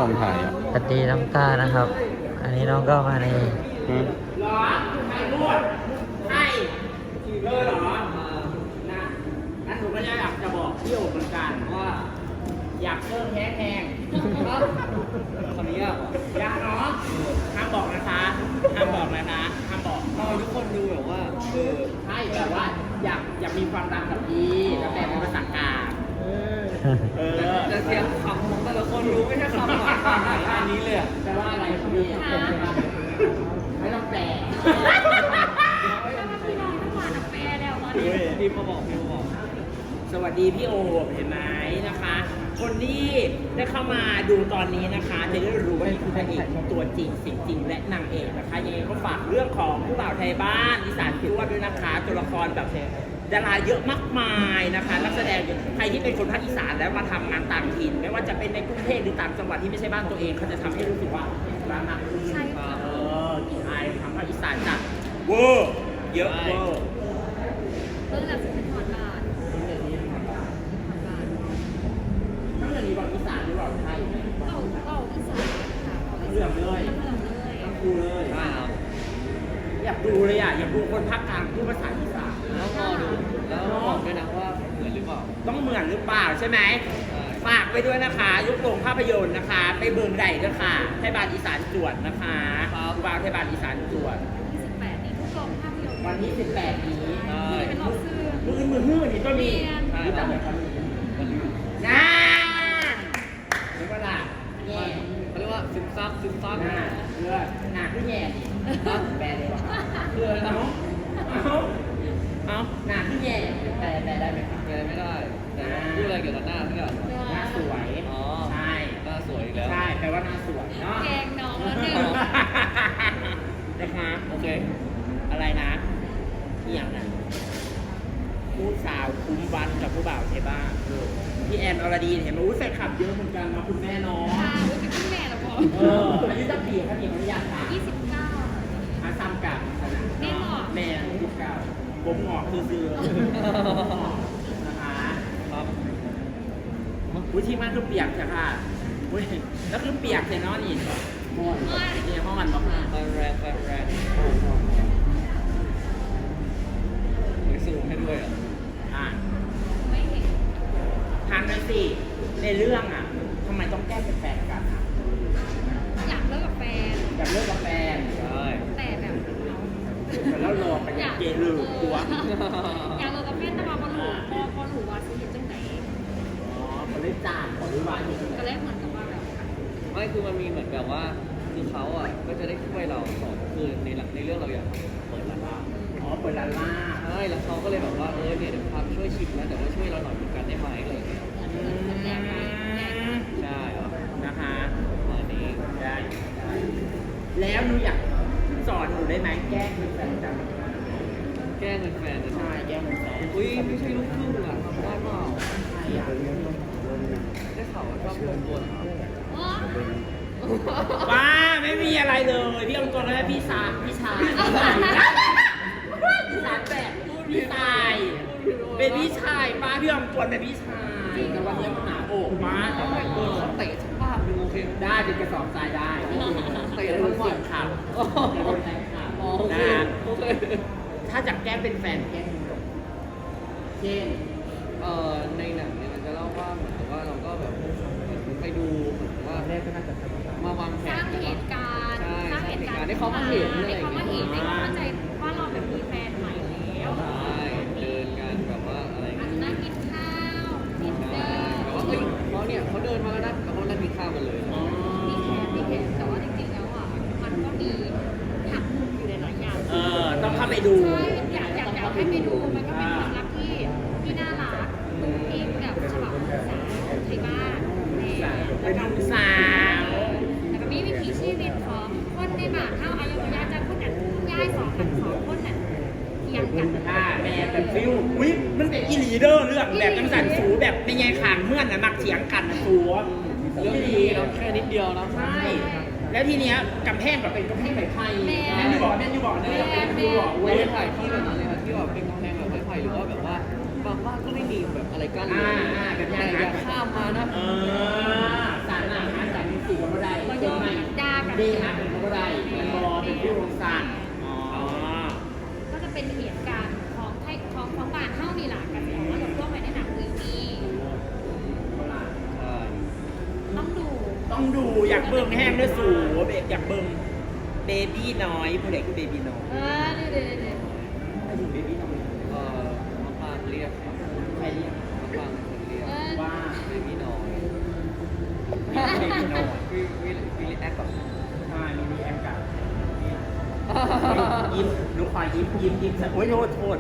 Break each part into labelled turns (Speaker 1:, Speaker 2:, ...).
Speaker 1: องถ่ายอ่ะ
Speaker 2: สวัสดีน้องตานะครับ อันนี้น้องก็มาใน
Speaker 1: อืม
Speaker 3: หรอใครพูดใช่เหรอนะงั้นหนูก็อยากจะบอกพี่โอ๋เหมือนกันว่า อยากเพิ่มแฮงคนนี้อยากเนาะห้ามบอกนะคะห้ามบอกนะคะห้ามบอกทุกคนดูแบบว่าใช่แบบว่าอยากมีความรักกับพี่แล้วแต่เป็นภาษากลางแต่เสียงคำของแต่ละคนรู้ไม่ใช่คำหวานอันนี้เลยจะว่าอะไรพี่ไม่ต้องแปลพี่มาบอกสวัสดีพี่โอเห็นไหมนะคะ คนที่ได้เข้ามาดูตอนนี้นะคะจะได้รู้ว่านี่คือพระเอกตัวจริงสิ่งจริงและนางเอกนะคะยังไงก็ฝากเรื่องของผู้บ่าวไทยบ้านอีสานพิวด้วยนะคะตัวละครแบบดาราเยอะมากมายนะคะนักแสดงใครที่เป็นคนภาคอีสานแล้วมาทำงานต่างถิ่นไม่ว่าจะเป็นในกรุงเทพหรือต่างจังหวัดที่ไม่ใช่บ้านตัวเองเขาจะทำให้รู้สึกว่าบ้านมากขึ้นใช่ใช่ทำภาคอีสานจัดเวอร์เยอะเวอร์
Speaker 4: เรื่องจากเป็นถอดบาท
Speaker 3: ทั้งเรื่องนี้บอกอีสานหรือบอกไทย
Speaker 4: เอาอีสานค่ะ
Speaker 3: เรื่องเลยทั้งคู่เลยใช่ครับอยากดูเลยอยากดูคนภาคกลางพูดภาษาอีสาน
Speaker 5: แล้วรอดูแล้วบอกด้วยนะว่าเหมือนหรือเปล่า
Speaker 3: ต้องเหมือนหรือเปล่าใช่ไหมฝากไปด้วยนะคะยุคโรงภาพยนตร์นะคะ ไปเบิ่งใดด้วยค่ะไทยบ้านอีสานจวดนะคะครูบาไทยบ้านอีสานจวด
Speaker 4: 18นี้ทุกโรงภาพยนตร์
Speaker 3: วันที่18นี้
Speaker 4: เป็นรอบซื้อ
Speaker 3: มือนี่ก็มีรู้จักแบบเขาน่าเรียกว่าล่ะแง่
Speaker 5: เขาเรียกว่าซึมซับ
Speaker 3: เพื่อหนักที่แง่แปลเลยเพื่อเนาะเอาหนักที่แง่แปลได้ไหมครับ
Speaker 5: แปลไม่ได้แต่พูดอะไรเกี่ยวกับหน้าที่แบบ
Speaker 3: หน้าสวย
Speaker 5: อ๋อ
Speaker 3: ใช่
Speaker 5: หน้าสวยอีกแล้ว
Speaker 3: ใช่แปลว่าหน้าสวยเนาะ
Speaker 4: แกงน้องแล้วเนี่ย
Speaker 3: นะคะโอเคอะไรนะที่อย่างนั้นผู้สาวคุ้มวันกับผู้บ่าวเทบ้าพี่แอนอรดีเห็นไหมแฟนคลับเยอะเหมือนกันมาคุณแม่น้อง
Speaker 4: เป็นคุณแม่แล้วพอ
Speaker 3: อายุจะปีครับพี่ขออนุญาตค่ะ
Speaker 4: 29
Speaker 3: อาซ้ำกับแม่29ผมหงอกคือนะคะครับอุ้ยที่มันคือเปียกจ้ะค่ะอุ้ยแล้วคือเปียกเสร็จเนาะนี่ห้องนี่ห้องมันบอก
Speaker 5: ไฟแรงมีซูมให้ด้วย
Speaker 3: อ่ะ
Speaker 4: ไม่เห็น
Speaker 3: ทานไปสิในเรื่องอ่ะทำไมต้องแก้เป็นแฟนกันอ่ะ
Speaker 4: อยากเลิกกับแฟน
Speaker 3: อยากเลิกกับแฟน
Speaker 5: ใช่
Speaker 4: แต่แบบ
Speaker 3: แล้วรอไปเกลือตัว
Speaker 4: อยากเลิกกับแฟนแต่ว่าพอหนูว่าชีวิตจังไหน
Speaker 3: อ๋อเขาเล่นจานของวิวาอยู่
Speaker 4: ก็เลยเหมือนกับว่าแบบ
Speaker 5: ไม่คือมันมีเหมือนแบบว่าคือเขาอ่ะก็จะได้ช่วยเราสอนคือในเรื่องเราอยากเปิดร้านลาบ
Speaker 3: อ๋อเปิดร้านลาบ
Speaker 5: ใช่แล้วเขาก็เลยแบบว่าเนี่ยเดี๋ยวพาไปช่วยชิมนะแต่ว่าช่วยเราหน่อยเหมือนกันได้ไหมอะไรอย่างเงี้ยใช่
Speaker 3: นะคะ
Speaker 5: มานี้
Speaker 3: ได้แล้วหนูอยากสอนหนูได้ไหมแก้เป็นแฟนกัน
Speaker 5: แก้เป็นแฟน
Speaker 3: ใช่แก้เป็นแฟน
Speaker 5: อุ้ยไม่ใช่ลูกครึ่งอ่ะทำได้เปล่า
Speaker 3: ใช่อ่ะ
Speaker 5: ได้ข่าวว่าชอบลูกตัว
Speaker 3: ว้าไม่มีอะไรเลยพี่องค์กรแล้วพี่ชายพี่ชายแบบพี่ชายเป็นพี่ชายป้าพี่องค์กรเป็นพี่ชายแต่วันนี้มันหนาอกมาแต่แบบ
Speaker 5: เขาเตะสภาพดูโอเค
Speaker 3: ได้เป็นกระสอบทรายได้เตะแล้วเสียบข่าวนะถ้าจากแก้เป็นแฟนแก้เช่น
Speaker 5: ในหนังเนี่ยมันจะเล่าว่าเหมือนกับว่าเราก็แบบไปดูว่าแรกก็น่าจะมาวางแผน
Speaker 4: สร้างเหตุการณ์
Speaker 5: ให้เขามาเห็น
Speaker 4: ให้เขามาเห็นให้เขาเข้าใจว่าเราแบบมีแฟนใหม่แล้ว
Speaker 5: ใช่เดินกันแบบว่าอะไร
Speaker 4: อาจจะนั่งกินข้าวกินเดิน
Speaker 5: แต่ว่าเฮ้ยเขาเนี่ยเขาเดินมาแล้วนะแล้วเขานั่งกินข้าวกันเลย
Speaker 4: มีแขกแต่ว่าจริงๆแล้วอ่ะมันก็มีหักมุมอยู่ในหลายอย่าง
Speaker 3: ต้องเข้าไปดู
Speaker 4: ใช่อยากให้ไปดูมันก็เป็นความรักที่น่ารักอิงกับฉบับภาษาไทยบ้าน
Speaker 3: เป็นน้องสาว
Speaker 4: แต่ก็มีวิถีชีวิตของคนในบ้านเท่าอายุยาจะคนนั้นย้าย2 คนนั้นเทียงกัน
Speaker 3: แม่เป็นฟิววิมันเป็นอีลีเดอร์เรื่องแบบจังสันสูแบบในไงขางเมื่อนน่ะมักเถียงกันนะสู
Speaker 5: เรื่องนี้เราแค่นิดเดียวนะ
Speaker 3: ใช่แล้วทีเนี้ยกำแพงแบบเป็นกำแพงไม้ไผ่แม่อยู่บอกเนี่ย
Speaker 5: เว้ยถ่ายที่แบบนั้นเลยนะที่แบบเป็นกำแพงแบบไม้ไผ่หรือว่าแบบว่าบางบ้านก็ไม่มีแบบอะไรกั้นเลย
Speaker 3: แบบ
Speaker 5: อย่าข้ามมานะ
Speaker 3: สารอาหารสารจติกับบ่ได้
Speaker 4: บ่ย
Speaker 3: เป็น
Speaker 4: อม
Speaker 3: ไหม
Speaker 4: ด่ากัน
Speaker 3: ดีฮะเป็นบ่ได้เป็นบอเป็นผู้วงศาสตร์อ๋อ
Speaker 4: ก็จะเป็นเหตุการณ์ของบ้านเฮานี่ล่ะกันแต่ว่าเราพวกไปในหนังเรื่องนี้
Speaker 5: ใช่
Speaker 4: ต้องดู
Speaker 3: อยากเบิ่งแห้งด้วยสูเบอยากเบิ่งเบบี้น้อยผู้ใดคือเบบี้น้อย
Speaker 4: เดี๋ยว
Speaker 3: ไม่ถึงเบบี้น้อย
Speaker 5: มะปรางเรียกครับ
Speaker 3: ใครเรียก
Speaker 5: มะปรางเป็นคนเรียก
Speaker 3: ว่า
Speaker 5: เบบี้น้อย
Speaker 3: เบบี้น้อย
Speaker 5: วิลลี่แอคก่อน
Speaker 3: ใช่มีแอคกับยิ้มลูกควายยิ้มโอ้ยโทษ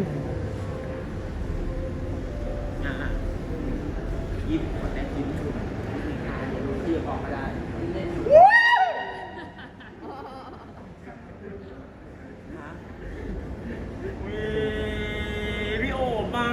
Speaker 3: ยิ้มคนแต่ยิ้มชุดที่ออกมาได้พี่โอมา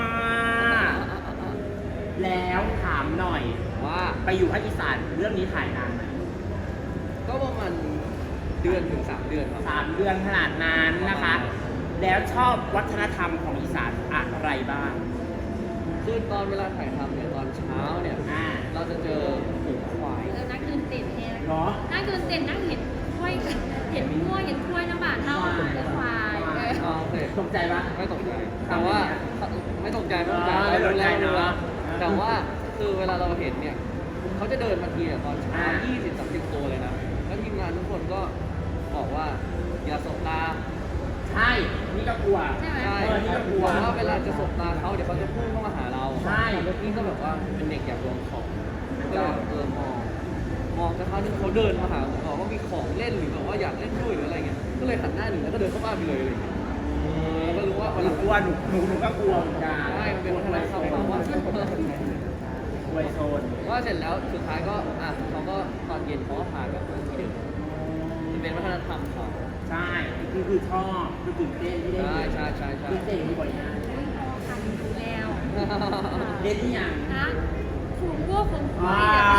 Speaker 3: แล้วถามหน่อย
Speaker 5: ว่า
Speaker 3: ไปอยู่ภาคอีสานเรื่องนี้ถ่ายนานไหม
Speaker 5: ก็ประมาณเดือนถึง3 เดือนครับ
Speaker 3: 3 เดือนขนาดนั้นนะคะ แล้วชอบวัฒนธรรมของอีสานอะไรบ้าง
Speaker 5: คือตอนเวลาถ่ายทำเนี่ยตอนเช้าเนี่ย เราจะเจอฝูงควาย
Speaker 4: นักเดินเต้นแฮง
Speaker 3: เนาะ
Speaker 4: นักเดินเต้นนั่งเห็นกล้วยเห็นงัวเห็นกล้วยน้ำบาดเท่าเป็นควาย
Speaker 5: โอเค
Speaker 3: ตกใจปะ
Speaker 5: ไม่ตกใจ แต่ว่าไม่ตกใจไม่ตกใจ
Speaker 3: ไม่ตกใจเนอะ
Speaker 5: แต่ว่าคือเวลาเราเห็นเนี่ยเขาจะเดินมาทีเนี่ยตอนเช้า20-30 ตัวเลยนะแล้วทีมงานทุกคนก็บอกว่าอย่าสบตา
Speaker 3: ใช่นี่ก็กลัว
Speaker 4: ใช่ไหม
Speaker 5: ใช่
Speaker 3: นี่ก็กลัว
Speaker 5: บอกว่าเวลาจะสบตาเขาเดี๋ยวเขาจะพุ่งเข้ามาหาเรา
Speaker 3: ใช่
Speaker 5: แล้วพี่ก็แบบว่าเป็นเด็กอยากลองของก็มองสักพักนึงเขาเดินมาหาผมบอกว่ามีของเล่นหรือแบบว่าอยากเล่นด้วยหรืออะไรเงี้ยก็เลยหันหน้าหนีแล้วก็เดินเข้าบ้านไปเลยอะไรเงี้ยแล้วก็รู้ว่าวัน
Speaker 3: ห
Speaker 5: ห
Speaker 3: นู
Speaker 5: ลัง
Speaker 3: กลัวหนูก็กลัวเหมือนกัน
Speaker 5: ใช่มันเป็นวัฒนธรรมเขาว่า
Speaker 3: กลัวโซน
Speaker 5: ว่าเสร็จแล้วสุดท้ายก็เขาก็ตอนเย็นเขาก็พากับที่เดิมมันเป็นวัฒนธรรมเขา
Speaker 3: ใช่คือชอบคือตื่นเต้นที่ได้
Speaker 5: ใช่
Speaker 3: ตื่นเต้นที่บ่อยงาน
Speaker 4: วิ่งพอคันดูแล้ว
Speaker 3: เล่นที่อย่าง
Speaker 4: นะขุนพวกขุนควา
Speaker 3: ว้าย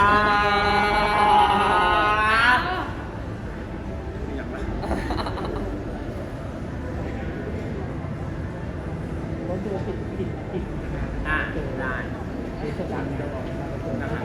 Speaker 4: เนี่ย
Speaker 3: อย่างไรได้นะครับ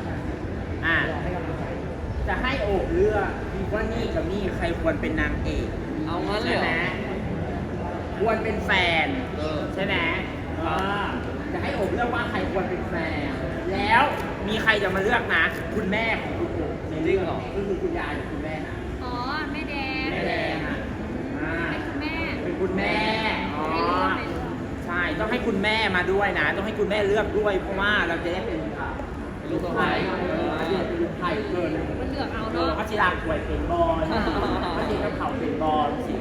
Speaker 3: จะให้โอบเลือกว่านี่กับนี่ใครควรเป็นนางเอก
Speaker 5: เอางั้นเลย
Speaker 3: ใช่
Speaker 5: เห
Speaker 3: ไห
Speaker 5: ร
Speaker 3: ม
Speaker 5: อ
Speaker 3: ควรเป็นแฟน ใช่ไหม
Speaker 5: ครับ
Speaker 3: จะให้โอบเลือกว่าใครควรเป็นแฟน แล้วมีใครจะมาเลือกนะ คุณแม่ของคุณโอบในเรื่องก็คือคุณยายหรือคุณแม่นะ
Speaker 4: อ๋อแม่แดง
Speaker 3: แม่แดงอ่ะอ่า
Speaker 4: เป็นคุณแม่
Speaker 3: เป็นคุณแม่อ๋อ
Speaker 4: ในเรื่องในเรื่อง
Speaker 3: ใช่ ต้องให้คุณแม่มาด้วยนะ ต้องให้คุณแม่เลือกด้วย เพราะว่าเราจะได้เป็นลูกไผ่เป็นลูกไผ่เกิน
Speaker 4: มันเลือกเอา
Speaker 3: เออ
Speaker 4: เนาะ
Speaker 3: พระจิราป่วยเป็นบอลพระจิราเขาเป็นบอลสิ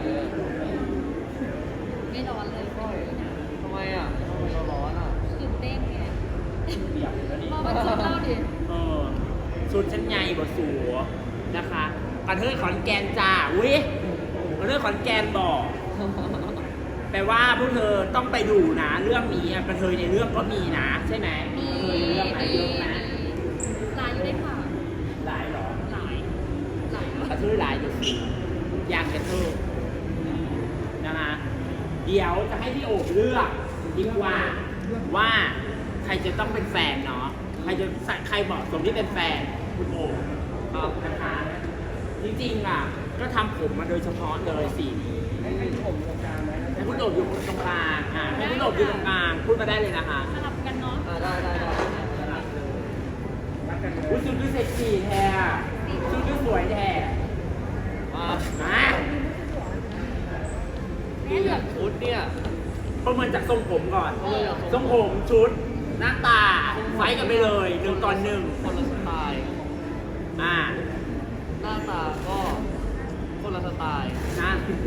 Speaker 4: ไม่ร้อนเลย
Speaker 5: ทำไมอ่ะทำไมเราร้อนอ่ะ
Speaker 4: ตื่นเต้นไง
Speaker 3: เปียกแล้วนี่
Speaker 4: พอมันชอบเล่าดิ
Speaker 3: ชุดชั้นในบทสูนะคะกระเทยขอนแก่นจ้าอุ้ยกระเทยขอนแก่นบอกแปลว่าพวกเธอต้องไปดูนะ เรื่องนี้อะกระเทยในเรื่องก็มีนะ ใช่ไหม
Speaker 4: มี
Speaker 3: เคยเรื่องไหนเรื่องนะ
Speaker 4: หลายอยู่ได้ค่ะ
Speaker 3: หลายเหรอ
Speaker 4: หลายเน
Speaker 3: กระ
Speaker 4: อะ
Speaker 3: เทยหลายอยู่สิอยากกระเทยนะคะเดี๋ยวจะให้พี่โอบเลือกดีกว่าใครจะต้องเป็นแฟนเนาะใครเหมาะสมที่เป็นแฟนคุณโอบครับนะคะจริงๆอ่ะก็ทำผมมาโดยเฉพาะเลยสิให้ผมตรงกลางไหมให้คุณโอบอยู่ตรงกลางให้คุณโอบอยู่ตรงกลางพูดมาได้เลยนะคะ
Speaker 4: สลับกันเนาะ
Speaker 5: ได้
Speaker 3: อุ้ยชุดดูเซ็กซี่แท้ชุดดูสวยแท้
Speaker 5: มา
Speaker 3: นะ
Speaker 4: แม่เลือก
Speaker 5: ชุดเนี่ย
Speaker 3: ประเมินจากทรงผมก่อน
Speaker 5: ประเมินจาก
Speaker 3: ท
Speaker 5: ท
Speaker 3: ร
Speaker 5: รง ง
Speaker 3: ผ
Speaker 5: ผม
Speaker 3: มชุดหน้าตาไฟกันไปเลย1 ต่อ 1
Speaker 5: คนละสไตล์ หน้าตาก็คนละสไตล์
Speaker 3: นะ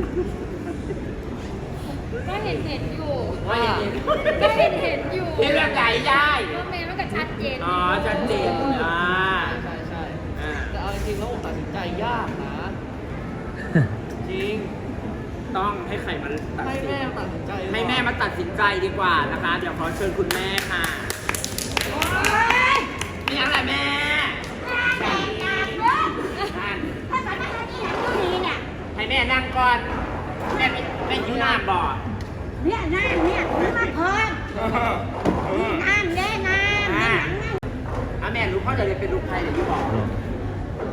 Speaker 4: ก็เห็นอยู่
Speaker 3: ว่าอย่างนี้
Speaker 4: ก็เห็นอยู่
Speaker 3: เรื่องใหญ่ได้
Speaker 4: ก็เมย์มันก็ชัดเจน
Speaker 3: อ๋อชัดเจน
Speaker 5: ใช่
Speaker 3: อ่า
Speaker 5: แต่เอาจริงๆแล้วผมตัดสินใจยากนะ จริง
Speaker 3: ต้องให้ใครมาตัด
Speaker 5: ให้
Speaker 3: สิน
Speaker 5: แม่ตัดสินใจ
Speaker 3: ให้แม่มาตัดสินใจดีกว่านะคะ เดี๋ยวขอเชิญคุณแม่ค่ะโอ๊ยนี่อะไรแม่ให้แม่นั่งก่อน แม่ไม่ยิ้มหน้าบอด
Speaker 1: เนี่ยน้ำเนี่ยซื้อมาเพิ่มน้ำเด้น้ำ
Speaker 3: อ่าแม่รู้พ่อจะเรียนเป็นลูกใครเดี๋ยวพี่บอก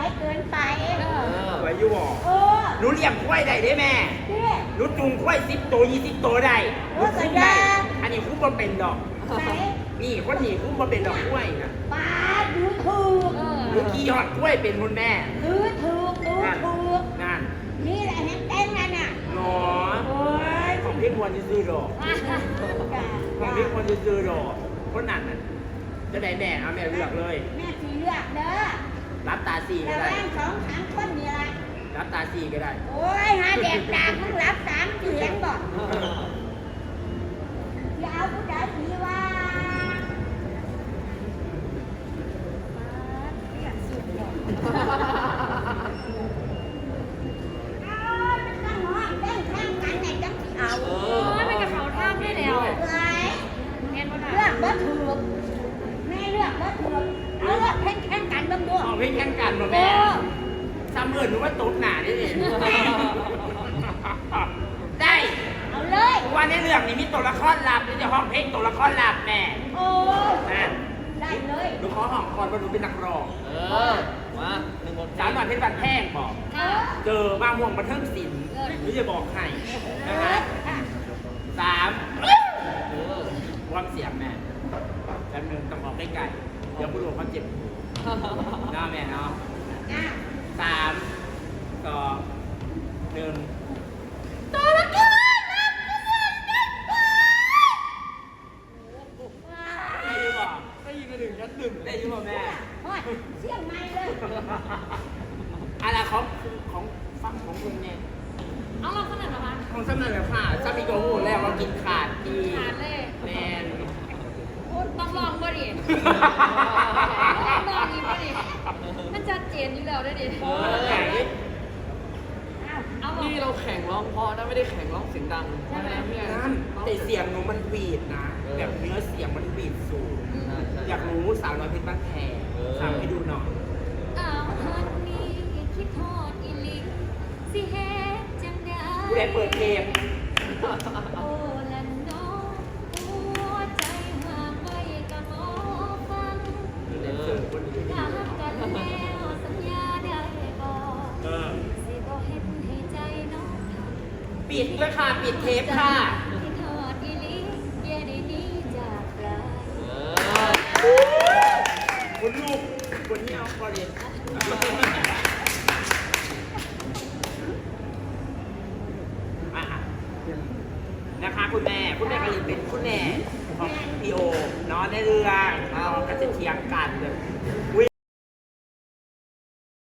Speaker 1: วยเกินไป
Speaker 3: สวยอยู่บ่
Speaker 1: เออ
Speaker 3: หนูเลี้ยงกล้วยได้เด้แม่
Speaker 1: นี่
Speaker 3: หนูจูงกล้วย10 ตัว 20 ตัวได้หนูคุ้มได้อันนี้คุ้มบ่เป็นดอก
Speaker 1: ไหน
Speaker 3: นี่คนนี้คุ้มบ่เป็นดอกกล้วยนะ
Speaker 1: ปาดดูถูก
Speaker 3: หนูขี่หอดกล้วยเป็นคุณแม่
Speaker 1: ดูถูกดู
Speaker 3: นั่น
Speaker 1: ถูก
Speaker 3: นั่น
Speaker 1: นี่แหละแฮงเต้นนั่นน่ะ
Speaker 3: หนอ
Speaker 1: โอ้ย
Speaker 3: ของพี่ควรจะซื้อดอก
Speaker 1: จ้า
Speaker 3: ของพี่ควรจะซื้อดอกคนนั้นน่ะจะได้แม่เอาแม่เลือกเลย
Speaker 1: แม่สีเลือกเด้อ
Speaker 3: รับตาสี่
Speaker 1: แต่
Speaker 3: ก็ได้
Speaker 1: แม่ง2-3คนนี่ละ
Speaker 3: รับตาสี่ก็ได้
Speaker 1: โอ้ยหาแดกตามึงรับ3เสียงบ่อย่าเอาผู้ใดสีว่าเอามันต้องหอมเต้นแข่งกันไหนจังสิเอา
Speaker 4: โอ้ยเป็นกระเป๋าท่าไม่แล้ว
Speaker 1: เอ้ย
Speaker 4: เรียนบ่ได้
Speaker 1: เลือกบ่ถูกแม่เลือกบ่ถูกเอาเลือกแข่งกันเบ้างด้วย
Speaker 3: เอาพี่แข่งกันบ่แม่ซ้ำเอิญหนูว่าตบหนาได้ดิได้
Speaker 1: เอาเลย
Speaker 3: เพราะว่าในเรื่องนี้มีตัวละครลับนี่จะห้องเพลงตัวละครลับแม่
Speaker 1: โอ้ย
Speaker 3: นะ
Speaker 1: ได้เลย
Speaker 3: หนูขอห้องก่อนว่าหนูเป็นนักร้อง
Speaker 5: มาหนึ่งบท
Speaker 3: สาวหน่อยเพชรบันแพงบอก
Speaker 4: ค่ะ
Speaker 3: เจอมาม่วงบันเทิงศิลป์หนูจะบอกให้นะฮะ ความเสียงแม่แป๊บนึงต้องออกใกล้ๆเดี๋ยวผู้รู้เขาเจ็บน้าแม่เนาะ
Speaker 1: อ่ะ
Speaker 3: 3 2 1
Speaker 1: ตัวละครลับ
Speaker 3: ได้ยินบ่
Speaker 5: ได้ยินกันหนึ่งชั้นหนึ่ง
Speaker 3: ได้ยินบ่แม่
Speaker 1: โอ้ยเสียงไม่เลย
Speaker 3: อะไรของฟังของคุณเนี่ย
Speaker 4: เอาเราขนาดเหรอคะ
Speaker 3: ของสำเนาแบบค่ะจะมีกระหูแล้วว่ากินขาดดี
Speaker 4: ขาดเลย
Speaker 3: แมน
Speaker 4: ต้องลองบ่ดิต้องลองอีกบ่ดิมันชัดเจนอยู่แล้วได้ดิ
Speaker 3: ไหน
Speaker 4: เอาบอก
Speaker 5: นี่เราแข่งร้องเพราะนะไม่ได้แข่งร้องเสียงดังใช่ไหมพี่
Speaker 3: นั่นแต่เสียงหนูมันบีดนะ แบบเนื้อเสียงมันบีดสูง อยากรู้สาวน้อยเพชรบ้านแพงทำให้ดูหน่อย
Speaker 4: อ้าวฮันนี่คิดทอดอีหลิสิเฮ็ดจังได๋
Speaker 3: ผู้ใดเปิดเพลง
Speaker 4: โอ้ละน้องหัวใจหากไว้ก็บ่ฟัง
Speaker 3: แดนเซอร์คนนี้
Speaker 4: ถ้าหักกันแล้วสัญญาได้บ่
Speaker 3: เออ
Speaker 4: สิบ่เฮ็ดให้ใจน้องทำ
Speaker 3: ปิดด้วยค่ะ ปิดเทปค่ะ
Speaker 4: คิดทอดอีหลิอย่าได้หนีจากไกล
Speaker 3: คุณลูกคนนี้เอาคอเรียนนะคะคุณแม่กะลินเป็นคุณแม่ของพีโอเนาะในเรื่องเราก็จะเถียงกันแบบ